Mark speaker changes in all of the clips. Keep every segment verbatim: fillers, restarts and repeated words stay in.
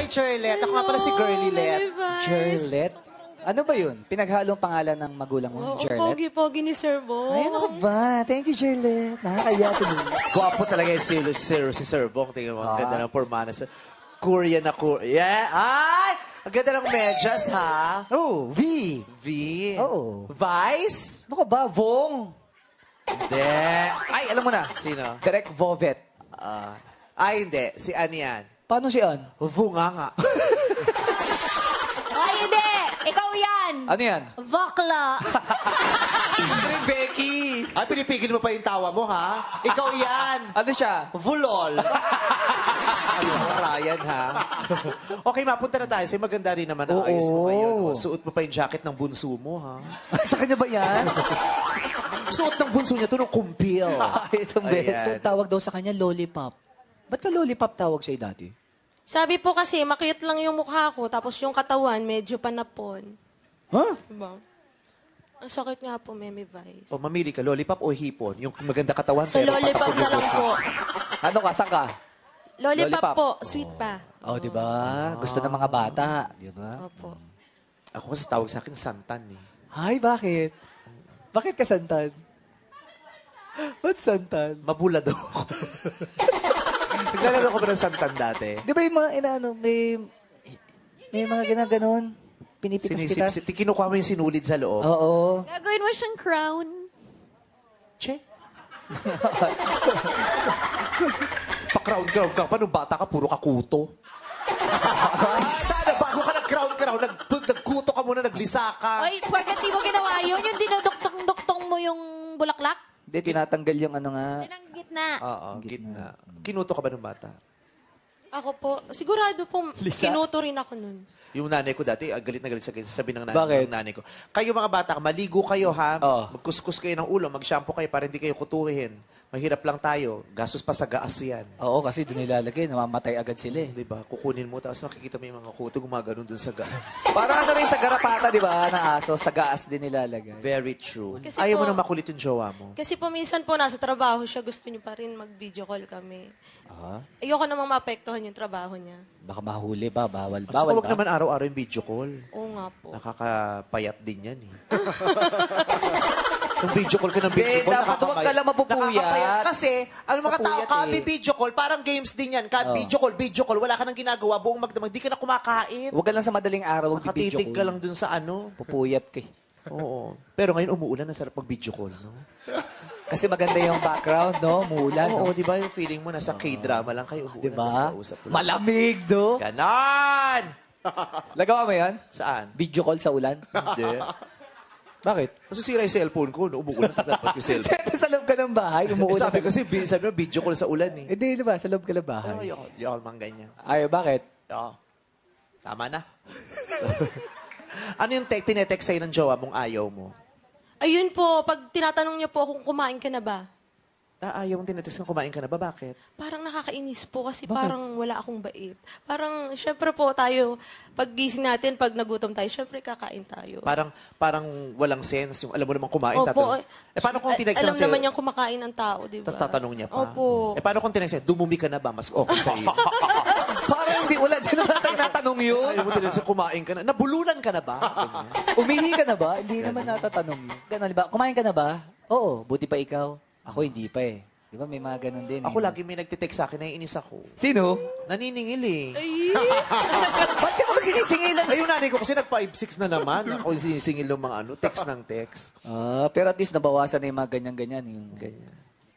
Speaker 1: Jerlet. Ako nga pala si Girly Let.
Speaker 2: Jerlet? Ano ba yun? Pinaghalong pangalan ng magulang mo,
Speaker 3: Oo,
Speaker 2: Jerlet?
Speaker 3: pogi-pogi ni Sir Bong.
Speaker 2: Ay, ano ka ba? Thank you, Jerlet. Nakakaya to din.
Speaker 1: Gwapo talaga yung si, si, si Sir Bong. Tingnan mo, ang
Speaker 2: Ah.
Speaker 1: ganda ng formana. Korean na Korean. Yeah! Ay! Ang ganda ng medyas, ha?
Speaker 2: Oh, V.
Speaker 1: V.
Speaker 2: Oo.
Speaker 1: Vice?
Speaker 2: Ano ka ba? Vong.
Speaker 1: Hindi.
Speaker 2: Ay, alam mo na.
Speaker 1: Sino?
Speaker 2: Direct Vovet.
Speaker 1: Ah, ay, hindi. Si Ann yan.
Speaker 2: Paano si An?
Speaker 1: Vunganga.
Speaker 4: Ay, hindi! Ikaw yan!
Speaker 2: Ano yan?
Speaker 4: Vakla!
Speaker 2: Becky.
Speaker 1: Ay, pinipigil mo pa yung tawa mo, ha? Ikaw yan.
Speaker 2: Ano siya?
Speaker 1: Vulol. Ano, Ryan, ha? Okay, mapunta na tayo. Sa'yo maganda rin naman ang
Speaker 2: Oo.
Speaker 1: ayos mo ngayon. Oh. Suot mo pa yung jacket ng bunso mo, ha?
Speaker 2: Sa kanya ba yan?
Speaker 1: Suot ng bunso niya to ng kumpil.
Speaker 2: Ay, itong
Speaker 1: Ayan.
Speaker 2: beses. Tawag daw sa kanya, lollipop. Ba't ka lollipop tawag sa'yo dati?
Speaker 3: Sabi po kasi, makiyot lang yung mukha ko, tapos yung katawan, medyo panapon.
Speaker 2: Huh?
Speaker 3: Diba? Ang sakit nga po, Meme Vice.
Speaker 1: O, mamili ka, lollipop o hipon? Yung maganda katawan,
Speaker 4: Sa
Speaker 1: pero
Speaker 4: lollipop
Speaker 1: patapon
Speaker 4: na
Speaker 1: yung
Speaker 4: lang
Speaker 1: mukha.
Speaker 4: po.
Speaker 2: Ano ka? Saan ka?
Speaker 3: Lollipop,
Speaker 2: Lollipop.
Speaker 3: po, sweet pa.
Speaker 2: Oh, di ba? Gusto ng mga bata. Di ba?
Speaker 3: Opo.
Speaker 1: Ako kasi tawag sa akin, santan, eh.
Speaker 2: Ay, bakit? Bakit ka santan? Ba't santan?
Speaker 1: Mabula daw ako. Naglalaro ko ba ng santan dati?
Speaker 2: Di ba yung mga, inaano, may, may mga ginaganon? Pinipitas-pitas?
Speaker 1: Sinisip, kinukuha mo yung sinulid sa loob.
Speaker 2: Oo.
Speaker 4: Gagawin mo siyang crown.
Speaker 1: Che. Pa-crown-crown ka pa. Nung bata ka, puro ka kuto. Sana bago ka nag-crown-crown, nag nagkuto ka muna, naglisa ka.
Speaker 4: Oy, bakit di mo ginawa yun? Yung dinuduktong-duktong mo yung bulaklak?
Speaker 2: Hindi, tinatanggal yung ano nga.
Speaker 4: Yun ang gitna.
Speaker 1: Oo, gitna. Kinuto ka ba nung bata?
Speaker 3: Ako po, sigurado po, kinuto rin ako nun.
Speaker 1: Yung nanay ko dati, ah, galit na galit sa akin. Sabi ng nanay,
Speaker 2: Bakit?
Speaker 1: ng nanay ko, kayo mga bata, maligo kayo ha,
Speaker 2: Oo.
Speaker 1: magkuskus kayo ng ulo, mag-shampoo kayo para hindi kayo kutuhin. Mahirap lang tayo. Gastos pa sa gaas yan.
Speaker 2: Oo, kasi doon nilalagay, namamatay agad sila eh.
Speaker 1: Di ba? Kukunin mo, tapos makikita mo yung mga kuto gumagano'n dun sa gaas.
Speaker 2: Parang ano rin sa garapata, di ba, ng aso, sa gaas din nilalagay.
Speaker 1: Very true.
Speaker 3: Kasi
Speaker 1: Ayaw mo
Speaker 3: po-
Speaker 1: nang makulit yung jowa mo.
Speaker 3: Kasi po minsan po nasa trabaho siya, gusto niya pa rin mag-video call kami.
Speaker 2: Ah,
Speaker 3: Ayoko namang maapektuhan yung trabaho niya.
Speaker 2: baka mahuli ba? Bawal,
Speaker 1: At
Speaker 2: bawal
Speaker 1: saka huwag
Speaker 2: ba?
Speaker 1: naman araw-araw yung video call.
Speaker 3: Oo nga po.
Speaker 1: Nakakapayat din yan eh. Yung video call ka ng video
Speaker 2: Hindi,
Speaker 1: call,
Speaker 2: dapat huwag ka lang mapupuyat.
Speaker 1: Nakakapayat. Kasi, ano mga tao,
Speaker 2: Mapupuyat
Speaker 1: kabi
Speaker 2: eh.
Speaker 1: video call, parang games din yan. Ka,
Speaker 2: Oh.
Speaker 1: Video call, video call, wala ka nang ginagawa, buong magdamag, di ka na kumakain.
Speaker 2: Huwag ka lang sa madaling araw, huwag video
Speaker 1: Nakatitig ka lang dun sa ano.
Speaker 2: Pupuyat ka eh.
Speaker 1: Oo. Pero ngayon umuulan, ang sarap pag video call, no?
Speaker 2: Kasi maganda yung background, no? Muulan,
Speaker 1: Oo,
Speaker 2: no?
Speaker 1: di ba yung feeling mo, nasa K-drama lang kayo, umuulan,
Speaker 2: Di ba?
Speaker 1: tapos kausap mo lang.
Speaker 2: Malamig, no?
Speaker 1: Ganon!
Speaker 2: Lagawa mo yan?
Speaker 1: Saan?
Speaker 2: Video call sa ulan?
Speaker 1: Hindi.
Speaker 2: Bakit?
Speaker 1: Masisira yung cellphone ko, no? Umuulan, tatapat yung cellphone.
Speaker 2: Siyempre sa loob ka ng bahay,
Speaker 1: Eh,
Speaker 2: umuulan.
Speaker 1: sabi kasi, bi- sabi mo, video call sa ulan eh.
Speaker 2: Hindi, di ba? Sa loob ka ng bahay.
Speaker 1: Ay, ayoko, ayoko mang ganyan.
Speaker 2: Ayaw, bakit?
Speaker 1: Oo. Tama na. Ano yung te- tinetext sa'yo ng jowa mong ayaw mo?
Speaker 3: Ayun po, pag tinatanong niya po kung kumain ka na ba,
Speaker 1: Ah, ayaw mong tinetext ng kumain ka na ba? Bakit?
Speaker 3: parang nakakainis po kasi parang wala akong bait. Parang, syempre po tayo, pag gising natin, pag nagutom tayo, syempre kakain tayo.
Speaker 1: Parang parang walang sense. Yung alam mo namang kumain,
Speaker 3: Opo.
Speaker 1: tatanong. Eh, paano kung
Speaker 3: Al-
Speaker 1: tinext
Speaker 3: Alam
Speaker 1: lang sa'yo?
Speaker 3: naman niyang kumakain ng tao, di ba?
Speaker 1: Tapos tatanong niya pa.
Speaker 3: Opo.
Speaker 1: Eh, paano kung tinext sa'yo? Dumumi ka na ba? Mas okay sa'yo.
Speaker 2: Parang hindi, wala din naman tayo natanong yun.
Speaker 1: Ayaw mo tinext sa'yo, kumain ka na. Nabulunan ka na ba? Ganyan.
Speaker 2: Umihi ka na ba? Hindi naman natatanong yun. Ganon, di ba? Kumain ka na ba? Oo, buti pa ikaw. Ako hindi pa eh. Di ba may mga ganon din
Speaker 1: Ako
Speaker 2: eh.
Speaker 1: lagi may nagtitext sa akin, naiinis ako.
Speaker 2: Sino?
Speaker 1: Naniningil eh.
Speaker 2: Ba't ka naman sinisingilan?
Speaker 1: Ay, yung nanay ko kasi nag five six na naman. Ako yung sinisingil ng mga ano, text ng text.
Speaker 2: Ah, pero at least nabawasan na yung mga ganyan-ganyan. Yung...
Speaker 1: Ganyan.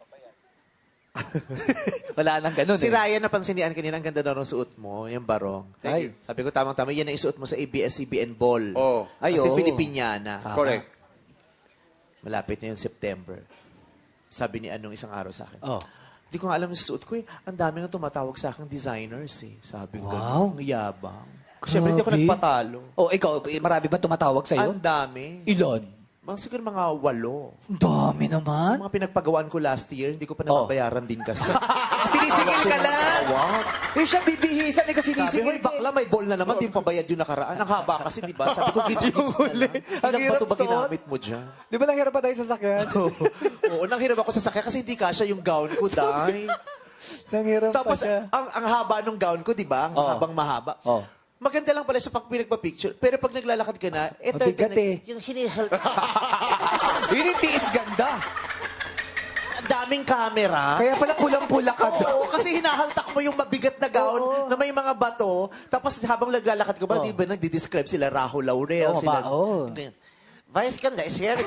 Speaker 2: Wala nang ganon
Speaker 1: Si
Speaker 2: eh.
Speaker 1: Ryan, napansinian kanina, ang ganda daw ng suot mo, yung barong.
Speaker 2: Ay.
Speaker 1: Sabi ko, tamang-tama, yan ang isuot mo sa A B S C B N Ball.
Speaker 5: Oh.
Speaker 2: Ay,
Speaker 1: Kasi
Speaker 2: oo.
Speaker 1: Filipiniana.
Speaker 2: Tama.
Speaker 5: Correct.
Speaker 1: Malapit na yung September. Sabi ni Anong isang araw sa akin.
Speaker 2: Oh.
Speaker 1: Hindi ko nga alam yung suot ko eh. Ang dami nga tumatawag sa akin designers eh. Sabi ko,
Speaker 2: Wow.
Speaker 1: ang yabang. Siyempre, hindi ako
Speaker 2: Grabe.
Speaker 1: nagpatalo.
Speaker 2: Oh, ikaw, eh, marami ba tumatawag sa'yo?
Speaker 1: Ang dami.
Speaker 2: Ilan?
Speaker 1: Mga siguro mga walo.
Speaker 2: Ang dami naman.
Speaker 1: Ang mga pinagpagawaan ko last year, hindi ko pa
Speaker 2: Oh.
Speaker 1: nababayaran din kasi.
Speaker 2: Sinisingil ka lang.
Speaker 1: Tawag.
Speaker 2: Eh, siya bibihisan eh kasi
Speaker 1: Sabi ko,
Speaker 2: sinisingil
Speaker 1: "Hoy, bakla, may ball na naman, di pa bayad yung nakaraan. Ang haba kasi, di ba? Sabi ko, gips, gips na lang.
Speaker 2: Ang
Speaker 1: Ilang
Speaker 2: hirap
Speaker 1: bato ba
Speaker 2: suot.
Speaker 1: ginamit mo dyan?
Speaker 2: Di ba nanghirap pa tayo sa sakyan?
Speaker 1: Oo, nang hirap ako sa sakya kasi hindi kasha yung gown ko, dahil.
Speaker 2: Nanghiram pa
Speaker 1: Tapos,
Speaker 2: siya.
Speaker 1: ang, ang haba nung gown ko, di ba? Ang
Speaker 2: Oo.
Speaker 1: habang mahaba.
Speaker 2: Oo.
Speaker 1: Maganda lang pala siya pag pinagpa-picture. Pero pag naglalakad ka na, eh,
Speaker 2: Mabigat eh.
Speaker 1: Yung hinihal...
Speaker 2: Yun yung tiis ganda.
Speaker 1: Ang daming camera.
Speaker 2: Kaya pala pulang-pula ka doon.
Speaker 1: Oo, kasi hinahaltak mo yung mabigat na gown
Speaker 2: Oo.
Speaker 1: na may mga bato. Tapos habang naglalakad ka ba,
Speaker 2: Oo.
Speaker 1: di ba nagdi-describe sila Rahul Laurel?
Speaker 2: Oo,
Speaker 1: sila,
Speaker 2: ba? Oo.
Speaker 1: Ganyan. Vice ganda is here.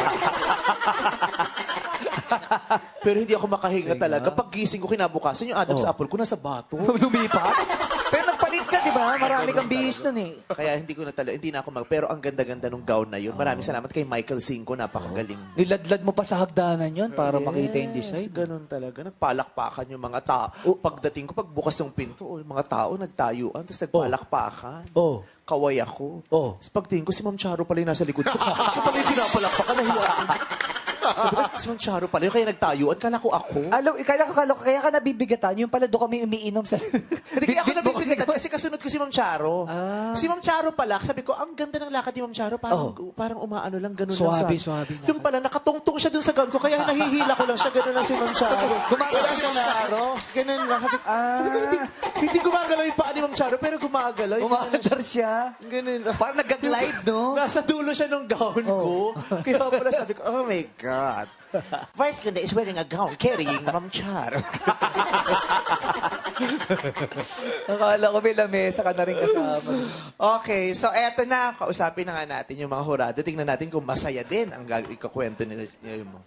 Speaker 1: Pero hindi ako makahinga talaga. Pag gising ko kinabukasan, yung Adam's
Speaker 2: Oo.
Speaker 1: apple ko nasa bato.
Speaker 2: Lumipat? Pero nagpalit ka, di ba? Marami kang bihis nun eh.
Speaker 1: Kaya hindi ko na talaga, hindi na ako mag... Pero ang ganda-ganda nung gown na yun. Maraming salamat kay Michael Cinco. Napakagaling.
Speaker 2: Niladlad mo pa sa hagdanan yun para makita yung
Speaker 1: Yes,
Speaker 2: design.
Speaker 1: ganun talaga. Nagpalakpakan yung mga tao. Pagdating ko, pagbukas ng pinto, oh, yung mga tao nagtayuan, tapos nagpalakpakan.
Speaker 2: Oh.
Speaker 1: Kaway ako.
Speaker 2: Oh.
Speaker 1: Tapos pagtingin ko, si Ma'am Charo pala yung nasa likod ko. Siya pala yung pinapalakpakan. Nahiya ako. Sabi ko, si Ma'am Charo pala yung kaya nagtayuan. Kala ko ako.
Speaker 2: Alam, kaya, kaya, kaya ka nabibigatan. Yung pala doon kami umiinom sa...
Speaker 1: Hindi kaya ako nabibigatan kasi kasunod ko si Ma'am Charo.
Speaker 2: Ah.
Speaker 1: Si Ma'am Charo pala, sabi ko, ang ganda ng lakad ni Ma'am Charo. Parang, parang umaano lang, ganun
Speaker 2: Suwabe,
Speaker 1: lang.
Speaker 2: suwabe na.
Speaker 1: Yung pala, nakatungtong siya dun sa gown ko, kaya nahihila ko lang siya, ganun lang si Ma'am Charo.
Speaker 2: Gumagalaw siya na Charo?
Speaker 1: Ganun lang. Sabi,
Speaker 2: Ah.
Speaker 1: sabi ko, hindi, hindi gumagalaw yung paa ni Ma'am Charo, pero gumagalaw. Yung
Speaker 2: Umaandar siya.
Speaker 1: Ganun lang.
Speaker 2: Parang nag-glide, no?
Speaker 1: Nasa dulo siya ng gown ko. Kaya pala sabi ko, oh my God. Vice ganda is wearing a gown carrying Ma'am Charo.
Speaker 2: Akala ko may lamesa ka na rin kasama.
Speaker 1: Okay, so eto na. Kausapin na nga natin yung mga hurado. Tingnan natin kung masaya din ang gag- ikakwento nila nila mo.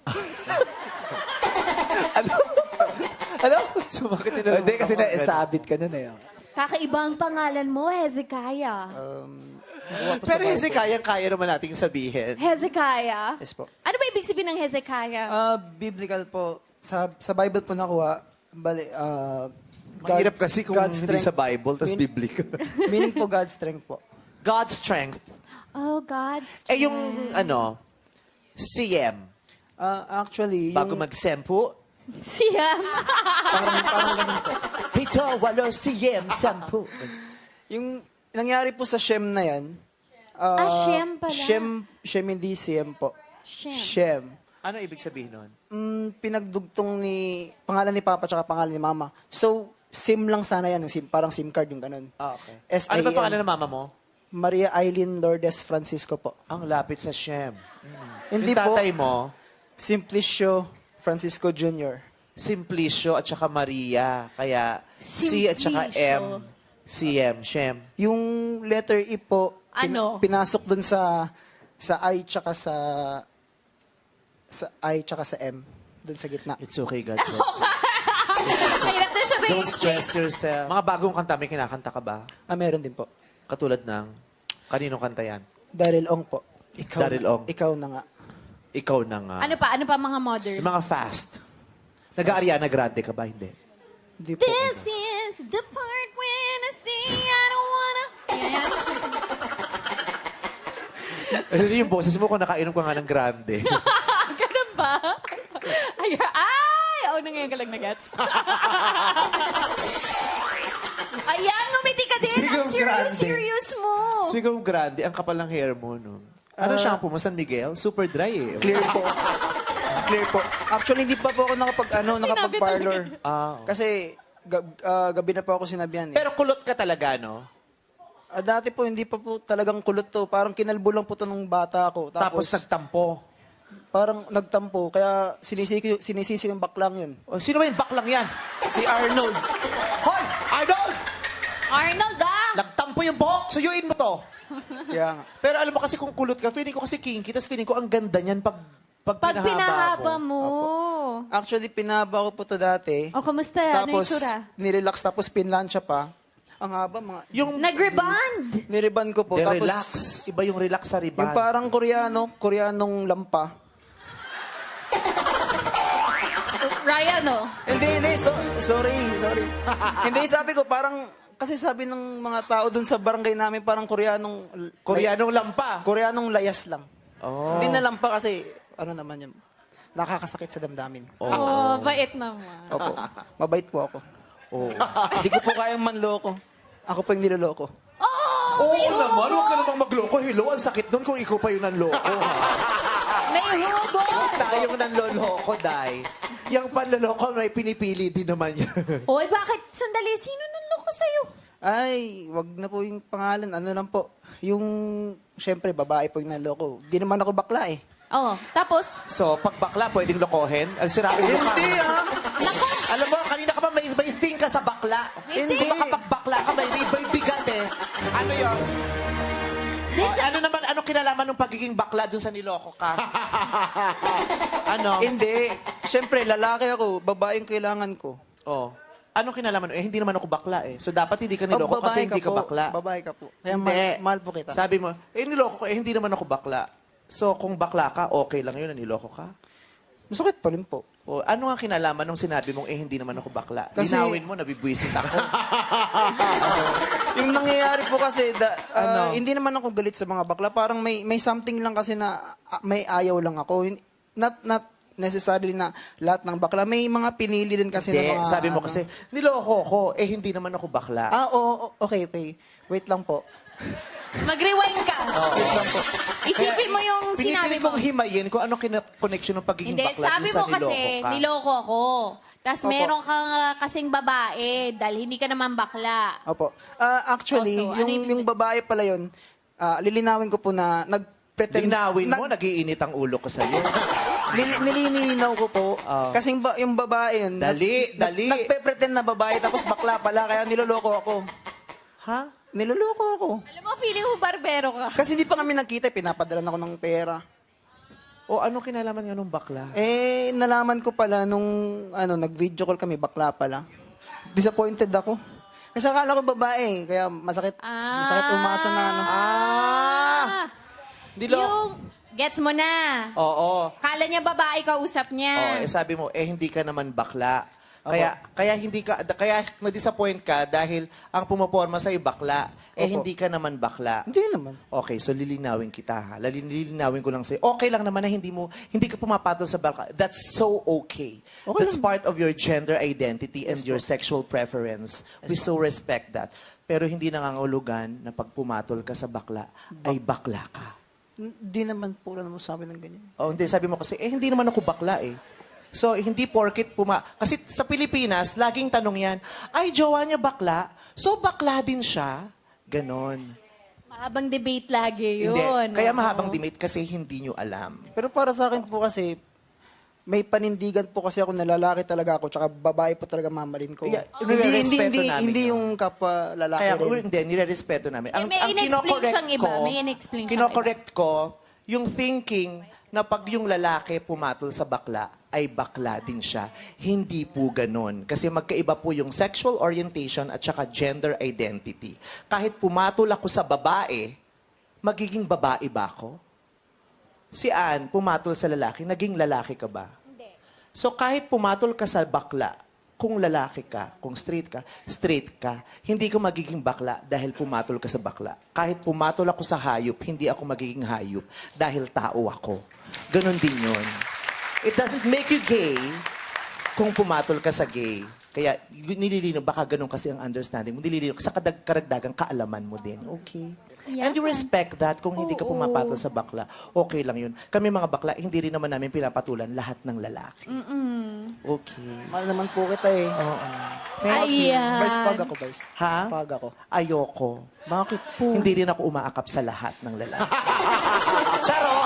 Speaker 2: Ano? Ano?
Speaker 1: Sumakit nila.
Speaker 2: Hindi, kasi na-sabit ka nun eh.
Speaker 4: Kakaibang pangalan mo, Hezekiah.
Speaker 1: Pero Hezekiah, kaya naman nating sabihin.
Speaker 4: Hezekiah.
Speaker 5: Yes po.
Speaker 4: Ano ba ibig sabihin ng Hezekiah?
Speaker 5: Ah, biblical po. Sa sa Bible po nakuha. Bali, ah, God-
Speaker 1: Mahirap kasi kung
Speaker 5: God's
Speaker 1: hindi sa
Speaker 5: strength.
Speaker 1: Bible, tas
Speaker 5: Mean-
Speaker 1: biblical.
Speaker 5: Meaning po God's strength po.
Speaker 1: God's strength.
Speaker 4: Oh, God's
Speaker 1: Eh yung, ano, C M.
Speaker 5: Ah, actually,
Speaker 1: Bago
Speaker 5: yung,
Speaker 1: mag-sempo,
Speaker 4: Siyam.
Speaker 5: parang, parang ganun po.
Speaker 1: Pito, walo, C M, sempo.
Speaker 5: Yung nangyari po sa Shem na yan.
Speaker 4: Ah, Shem pala.
Speaker 5: Shem, Shem hindi Siem po.
Speaker 4: Shem.
Speaker 5: Shem.
Speaker 1: Ano ibig sabihin nun?
Speaker 5: Mm, pinagdugtong ni, pangalan ni Papa tsaka pangalan ni Mama. So, SIM lang sana yan. Yung SIM, parang SIM card yung ganun.
Speaker 1: Ah, okay.
Speaker 5: S I M.
Speaker 1: Ano ba pangalan ng mama mo?
Speaker 5: Maria Eileen Lourdes Francisco po.
Speaker 1: Ang lapit sa Shem.
Speaker 5: Hindi
Speaker 1: yung
Speaker 5: po.
Speaker 1: tatay mo,
Speaker 5: Simplicio Francisco Junior
Speaker 1: Simplicio at saka Maria. Kaya C at saka
Speaker 4: Simplicio.
Speaker 1: M. C M, Shem.
Speaker 5: Yung letter E po, pin-
Speaker 4: Ano?
Speaker 5: pinasok dun sa sa I tsaka sa sa I tsaka sa M dun sa gitna.
Speaker 1: It's okay, God bless.
Speaker 4: Mahirap na siya ba
Speaker 1: Don't stress yourself. Mga bagong kanta, may kinakanta ka ba?
Speaker 5: Ah, meron din po.
Speaker 1: Katulad ng, kaninong kanta yan?
Speaker 5: Daryl Ong po. Ikaw,
Speaker 1: Daryl Ong.
Speaker 5: Ikaw na nga.
Speaker 1: Ikaw na nga.
Speaker 4: Ano pa? Ano pa mga modern?
Speaker 1: Yung mga fast. Nag-Ariana Grande ka ba? Hindi.
Speaker 5: Hindi po.
Speaker 4: This is the part when I say I don't wanna... Yan.
Speaker 1: Ano yung boses mo kung nakainom ka nga ng Grande?
Speaker 4: Ganun ba? Ay, ay! Oo, nangyayang ka lang na gats. Ayan, ngumiti ka din.
Speaker 1: Speaking
Speaker 4: Ang
Speaker 1: of
Speaker 4: serious,
Speaker 1: grande.
Speaker 4: serious mo.
Speaker 1: Speaking of Grande, ang kapal ng hair mo, no? Ano shampoo mo? San Miguel? Super dry eh.
Speaker 5: Clear po. Clear po. Actually, hindi pa po ako nakapag, ano,
Speaker 4: Sinabi
Speaker 5: nakapag-parlor.
Speaker 1: Ah.
Speaker 5: Kasi, gab- ah, gabi na po ako sinabihan eh.
Speaker 1: Pero kulot ka talaga, no?
Speaker 5: Ah, dati po, hindi pa po talagang kulot to. Parang kinalbo lang po to nung bata ako.
Speaker 1: Tapos,
Speaker 5: Tapos,
Speaker 1: nagtampo.
Speaker 5: parang nagtampo. Kaya sinisisi, sinisisi yung baklang yun.
Speaker 1: O, sino ba yung baklang yan?
Speaker 5: Si Arnold.
Speaker 1: Hoy! Arnold!
Speaker 4: Arnold, ah!
Speaker 1: Nagtampo yung buhok! Suyuin mo to!
Speaker 5: Kaya nga.
Speaker 1: Pero alam mo kasi kung kulot ka, feeling ko kasi kinky, tapos feeling ko ang ganda niyan pag, pag,
Speaker 4: Pag pinahaba
Speaker 1: mo.
Speaker 4: mo.
Speaker 5: Actually, pinaba ko po to dati.
Speaker 4: O, kamusta? Ano yung
Speaker 5: Tapos,
Speaker 4: tsura?
Speaker 5: nirelax. Tapos, pinlansya pa. Ang haba, mga...
Speaker 1: Yung
Speaker 4: Nag-rebond!
Speaker 5: Niriban ko po.
Speaker 1: the
Speaker 5: Tapos,
Speaker 1: relax. Iba yung relax sa riban.
Speaker 5: yung parang Koreano, Koreanong lampa.
Speaker 4: Ryan, oh.
Speaker 5: Hindi, hindi. So, sorry, sorry. Hindi, sabi ko, parang... Kasi sabi ng mga tao dun sa barangay namin, parang Koreanong...
Speaker 1: Koreanong lampa.
Speaker 5: Koreanong layas lang.
Speaker 1: Oh.
Speaker 5: Hindi na lampa kasi, ano naman yun, nakakasakit sa damdamin.
Speaker 4: Oh, bait naman.
Speaker 5: Opo. Mabait po ako.
Speaker 1: Oh.
Speaker 5: Hindi ko po kayang manloko. Ako po yung niloloko.
Speaker 1: Oo naman, huwag ka namang magloko. Hello, ang sakit nun kung ikaw pa yung nanloko. ha?
Speaker 4: May May hugot!
Speaker 1: Huwag tayong nanloloko, Day. Yung panloloko, may pinipili din naman yan.
Speaker 4: Hoy, bakit? Sandali, sino nanloko sa'yo?
Speaker 5: Ay, wag na po yung pangalan. Ano lang po. Yung, syempre, babae po yung naloko. Di naman ako bakla eh.
Speaker 4: Oo. Tapos,
Speaker 1: So, pag bakla, pwedeng lokohin? Ang sirain mo ka.
Speaker 5: Hindi ah.
Speaker 4: naku,
Speaker 1: Alam mo, kanina ka pa may, may thing ka sa bakla.
Speaker 4: Hindi.
Speaker 1: Kung makapagbakla ka, may, may, may bigat eh. Ano yun? O, ano naman, ano kinalaman ng pagiging bakla dun sa niloko ka? ano?
Speaker 5: Hindi. Syempre, lalaki ako. Babae yung kailangan ko.
Speaker 1: Oh. Anong kinalaman? Eh, hindi naman ako bakla eh. So, dapat hindi ka niloko
Speaker 5: Oh,
Speaker 1: kasi
Speaker 5: babae
Speaker 1: hindi ka
Speaker 5: po.
Speaker 1: bakla.
Speaker 5: Babae ka po. Kaya
Speaker 1: Hindi.
Speaker 5: mahal, mahal po kita.
Speaker 1: Sabi mo, eh, niloko ko, eh, hindi naman ako bakla. So, kung bakla ka, okay lang yun na niloko ka?
Speaker 5: Masakit pa rin po.
Speaker 1: O, ano ang kinalaman nung sinabi mong, eh, hindi naman ako bakla?
Speaker 5: Kasi-
Speaker 1: Linawin mo, nabibwisit ako.
Speaker 5: Yung nangyayari po kasi, da, ah,
Speaker 1: Ano?
Speaker 5: hindi naman ako galit sa mga bakla. Parang may may something lang kasi na ah, may ayaw lang ako. Hin- Not, not necessarily na lahat ng bakla. May mga pinili din kasi
Speaker 1: Hindi,
Speaker 5: na mga...
Speaker 1: sabi mo
Speaker 5: ano.
Speaker 1: kasi, niloko ko, eh, hindi naman ako bakla.
Speaker 5: Ah, oo, oo, okay, okay. Wait lang po.
Speaker 4: mag-rewind ka.
Speaker 5: Wait lang po.
Speaker 4: Isipin mo yung sinabi
Speaker 1: Pinipilit
Speaker 4: mo.
Speaker 1: kong himayin kung ano kina- connection ng pagiging
Speaker 4: Hindi,
Speaker 1: bakla
Speaker 4: sabi
Speaker 1: dun sa
Speaker 4: mo kasi,
Speaker 1: niloko ka.
Speaker 4: niloko ako. Tapos
Speaker 5: Opo.
Speaker 4: meron kang ah, kasing babae dahil hindi ka naman bakla.
Speaker 5: Opo. Ah, actually,
Speaker 4: Oh, so, ano
Speaker 5: yung,
Speaker 4: yung-
Speaker 5: yung babae pala yun, ah, lilinawin ko po na nag-pretend...
Speaker 1: Linawin mo,
Speaker 5: nag-
Speaker 1: nagiinit ang ulo ko sa'yo.
Speaker 5: Nili- nililinaw ko po.
Speaker 1: Oh.
Speaker 5: Kasing ba, yung babae yun...
Speaker 1: Dali,
Speaker 5: nag-
Speaker 1: dali.
Speaker 5: nag- Nagpe-pretend na babae tapos bakla pala kaya niloloko ako.
Speaker 1: Ha?
Speaker 5: Niloloko ako.
Speaker 4: Alam mo, feeling mo barbero ka.
Speaker 5: Kasi hindi pa kami nagkita, pinapadala ako ng pera.
Speaker 1: O ano kinalaman nga nung bakla?
Speaker 5: Eh, nalaman ko pala nung ano, nag-video call kami, bakla pala. Disappointed ako. Kasi akala ko babae, kaya masakit,
Speaker 4: Ah.
Speaker 5: masakit umasa na ano.
Speaker 1: Ah! Nilo-
Speaker 4: Yung, gets mo na.
Speaker 1: Oo.
Speaker 4: Kala niya babae kausap
Speaker 1: Oh,
Speaker 4: niya.
Speaker 1: eh sabi mo, eh hindi ka naman bakla. Kaya kaya hindi ka da- kaya na-disappoint ka dahil ang pumoporma sa bakla, eh
Speaker 5: Opo.
Speaker 1: hindi ka naman bakla.
Speaker 5: Hindi naman.
Speaker 1: Okay, so lilinawin kita ha. Lali- Lilinawin ko lang sa'yo. Okay lang naman na hindi mo hindi ka pumapatol sa bakla. That's so okay.
Speaker 5: Okay
Speaker 1: That's
Speaker 5: lang.
Speaker 1: part of your gender identity and your sexual preference. We so respect that. Pero hindi nangangahulugan na pag pumatol ka sa bakla, ay bakla ka.
Speaker 5: Hindi naman po na mo sabi ng ganyan.
Speaker 1: Oh, hindi. Sabi mo kasi, eh, hindi naman ako bakla eh. So, hindi porket puma... Kasi sa Pilipinas, laging tanong yan, ay, jowa niya bakla? So, bakla din siya? Ganon.
Speaker 4: Mahabang debate lagi yun.
Speaker 1: Hindi. Kaya
Speaker 4: Oo.
Speaker 1: mahabang debate kasi hindi nyo alam.
Speaker 5: Pero para sa akin po kasi, may panindigan po kasi ako na lalaki talaga ako, tsaka babae po talaga mamarin ko.
Speaker 1: Yeah,
Speaker 5: hindi, hindi,
Speaker 1: nire-respeto
Speaker 5: hindi,
Speaker 1: namin
Speaker 5: hindi
Speaker 1: yun.
Speaker 5: yung kapwa lalaki
Speaker 1: Kaya,
Speaker 5: rin.
Speaker 1: hindi, nire-respeto namin.
Speaker 4: Eh, may in-explain
Speaker 1: kinokorek
Speaker 4: siyang iba. May in-explain siyang
Speaker 1: kinokorek ko, yung thinking na pag yung lalaki pumatol sa bakla, ay bakla din siya. Hindi po ganon. Kasi magkaiba po yung sexual orientation at saka gender identity. Kahit pumatol ako sa babae, magiging babae ba ako? Si Ann, pumatol sa lalaki, naging lalaki ka ba?
Speaker 4: Hindi.
Speaker 1: So kahit pumatol ka sa bakla, kung lalaki ka, kung straight ka, straight ka, hindi ka magiging bakla dahil pumatol ka sa bakla. Kahit pumatol ako sa hayop, hindi ako magiging hayop dahil tao ako. Ganon din yun. It doesn't make you gay kung pumatol ka sa gay. Kaya nililino, baka ganun kasi ang understanding mo. Nililino, sa kadag karagdagang kaalaman mo din. Okay.
Speaker 4: Yeah.
Speaker 1: And you respect that kung hindi ka
Speaker 4: Oo.
Speaker 1: pumapatol sa bakla. Okay lang yun. Kami mga bakla, hindi rin naman namin pinapatulan lahat ng lalaki. Okay.
Speaker 5: Mahal naman po kita eh.
Speaker 1: Oo. Thank you.
Speaker 4: Ayan.
Speaker 5: Vice pag ako, Vice.
Speaker 1: Ha?
Speaker 5: Pag ako.
Speaker 1: Ayoko.
Speaker 5: Bakit po?
Speaker 1: Hindi rin ako umaakap sa lahat ng lalaki. Charot!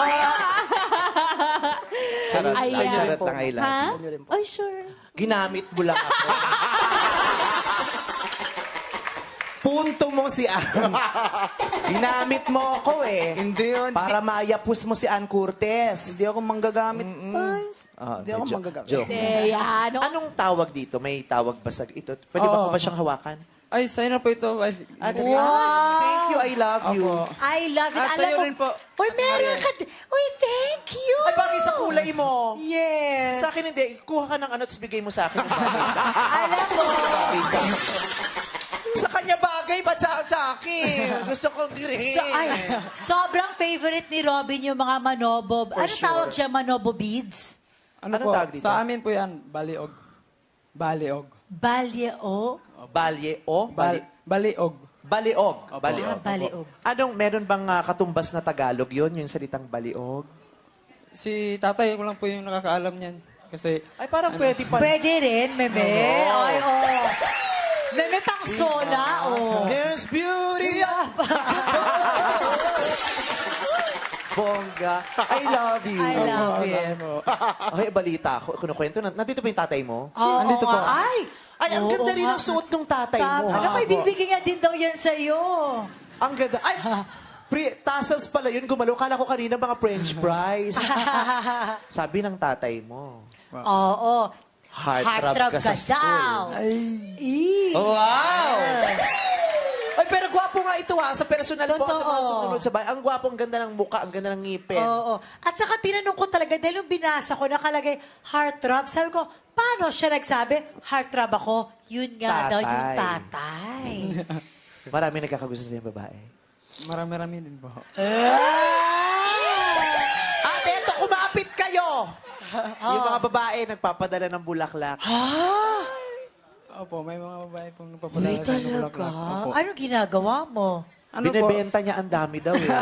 Speaker 1: Charot lang.
Speaker 4: Ayan.
Speaker 1: Charot lang, I love
Speaker 4: Ha?
Speaker 1: you.
Speaker 5: Ano rin po.
Speaker 4: Oh, sure.
Speaker 1: Ginamit mo lang ako. Punto mo si Ann. Ginamit mo ako eh.
Speaker 5: Hindi yun.
Speaker 1: Para mayapus mo si Ann Curtis.
Speaker 5: Hindi ako manggagamit, Vice.
Speaker 1: Ah,
Speaker 5: Hindi ako
Speaker 1: jo-
Speaker 5: manggagamit.
Speaker 1: joke.
Speaker 4: Hindi, yan. Ano?
Speaker 1: Anong tawag dito? May tawag ba sa ito? Pwede ba
Speaker 6: Oo.
Speaker 1: ko ba siyang hawakan?
Speaker 6: Ay, sa'yo na po ito. Vice.
Speaker 1: Ah, dali. Ah, thank you. I love you.
Speaker 6: Opo.
Speaker 7: I love it.
Speaker 6: Ah,
Speaker 7: Alam
Speaker 6: sa'yo
Speaker 7: mo,
Speaker 6: rin po.
Speaker 7: Uy, meron ka. di- Uy, thank you.
Speaker 1: Ay, bagay sa kulay mo.
Speaker 7: Yes.
Speaker 1: Sa akin hindi. Kuha ka ng ano, tapos bigay mo sa akin yung bagay sa akin.
Speaker 7: Alam mo,
Speaker 1: Bagay sa Sa kanya bagay, ba't sa, sa akin? Gusto kong green.
Speaker 7: so, ay, sobrang favorite ni Robin yung mga manobo.
Speaker 1: For
Speaker 7: ano
Speaker 1: sure.
Speaker 7: tawag siya, manobo beads?
Speaker 6: Ano
Speaker 1: Anong
Speaker 6: po?
Speaker 1: tawag dito?
Speaker 6: Sa amin po yan, baliog. Baliog.
Speaker 7: Balyeo?
Speaker 1: Balye o? Bali,
Speaker 6: Bal baliog.
Speaker 1: baliog.
Speaker 6: Opo.
Speaker 1: Baliog.
Speaker 7: Ah, baliog.
Speaker 1: Anong, meron bang ah, katumbas na Tagalog yun? Yung salitang baliog?
Speaker 6: Si tatay ko lang po yung nakakaalam niyan. Kasi,
Speaker 1: Ay, parang pwede pa.
Speaker 7: Pwede rin, meme. Ay, oh. Meme pang sola, oh.
Speaker 1: There's beauty up. Bongga. I love you.
Speaker 7: I love
Speaker 6: Opo,
Speaker 7: you.
Speaker 6: sabi po.
Speaker 1: Okay, balita ko. Kinukwento. na- Nandito pa yung tatay mo?
Speaker 7: Oo
Speaker 6: Andito
Speaker 7: nga.
Speaker 6: po.
Speaker 7: Ay!
Speaker 1: Ay, ang
Speaker 7: Oo
Speaker 1: ganda rin
Speaker 7: nga.
Speaker 1: ng suot ng tatay mo.
Speaker 7: Tama. Alam ko, ibibigay nga din daw yan sa'yo.
Speaker 1: Ang ganda. Ay, pre, tassels pala yun. Gumalo. Kala ko kanina mga French fries. Sabi ng tatay mo.
Speaker 7: Oo.
Speaker 1: Heartthrob ka sa
Speaker 7: daw.
Speaker 1: school.
Speaker 7: Ih.
Speaker 1: Wow! Ay, pero gwapo nga ito ha. Sa personal po, sa mga
Speaker 7: Totoo.
Speaker 1: sumunod sa bahay. Ang gwapo, ang ganda ng muka, ang ganda ng ngipin.
Speaker 7: Oo. At saka tinanong ko talaga, dahil yung binasa ko, nakalagay heartthrob. Sabi ko, paano siya nagsabi, heartthrob ako? Yun nga daw yung tatay.
Speaker 1: Marami nagkakagusto sa yung babae.
Speaker 6: Marami-rami din po.
Speaker 1: At eto, kumapit kayo! Yung mga babae, nagpapadala ng bulaklak.
Speaker 6: Opo, may mga babae pong
Speaker 7: Uy,
Speaker 6: nagpapadala sa
Speaker 7: talaga?
Speaker 6: bulaklak. Opo.
Speaker 7: Ano ginagawa mo?
Speaker 6: Ano po?
Speaker 1: Binebenta niya ang dami daw eh.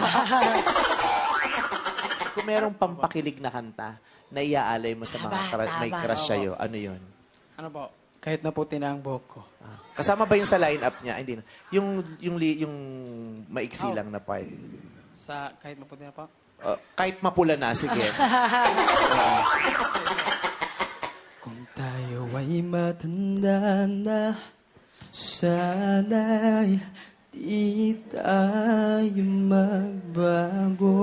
Speaker 1: Kung merong pampakilig na kanta na iaalay mo sa mga
Speaker 7: Tama,
Speaker 1: kra- may
Speaker 7: tama.
Speaker 1: crush sa'yo, ano yun?
Speaker 6: Ano po? Kahit na puti na ang buhok ko.
Speaker 1: Ah, kasama ba yung sa line-up niya? Hindi na. Yung, yung, li- yung maiksi lang na part.
Speaker 6: Sa kahit maputi na po.
Speaker 1: Uh, kahit mapula na, sige.
Speaker 6: Kung tayo ay matanda na, sana'y di tayo magbago.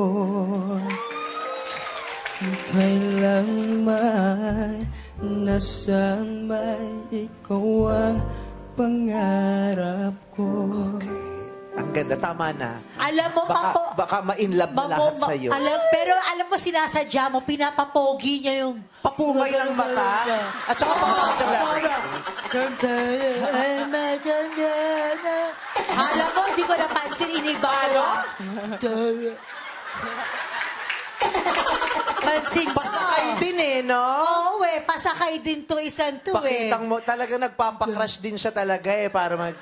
Speaker 6: Kung kailang may nasaan may ikaw ang pangarap ko.
Speaker 1: Ang ganda, tama na.
Speaker 7: Alam mo,
Speaker 1: Baka,
Speaker 7: mapo...
Speaker 1: baka ma-inlove na
Speaker 7: Mamo-
Speaker 1: lahat
Speaker 7: ma-
Speaker 1: sa'yo.
Speaker 7: Alam, pero alam mo, sinasadya mo, pinapapogi niya yung...
Speaker 1: Papungay ng mata. At saka papakagala.
Speaker 7: Alam mo, hindi ko napansin, iniba ko. Pansin ko.
Speaker 1: Pasakay din eh, no?
Speaker 7: Oo eh, pasakay din to isang to eh.
Speaker 1: Pakitang mo, talaga nagpapakrush din siya talaga eh, para mag...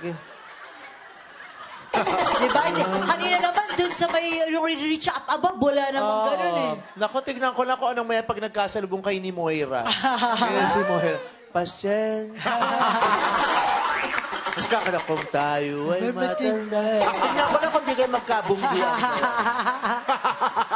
Speaker 7: Diba? Hindi. Kanina naman, dun sa may yung reach up above, wala namang ganun eh.
Speaker 1: Naku, tignan ko na kung anong may pag nagkasalubong kay ni Moira. Kaya si Moira, Pasyen. Mas kakala kung tayo ay matanda. Tignan ko na kung di kayo magkabungguan.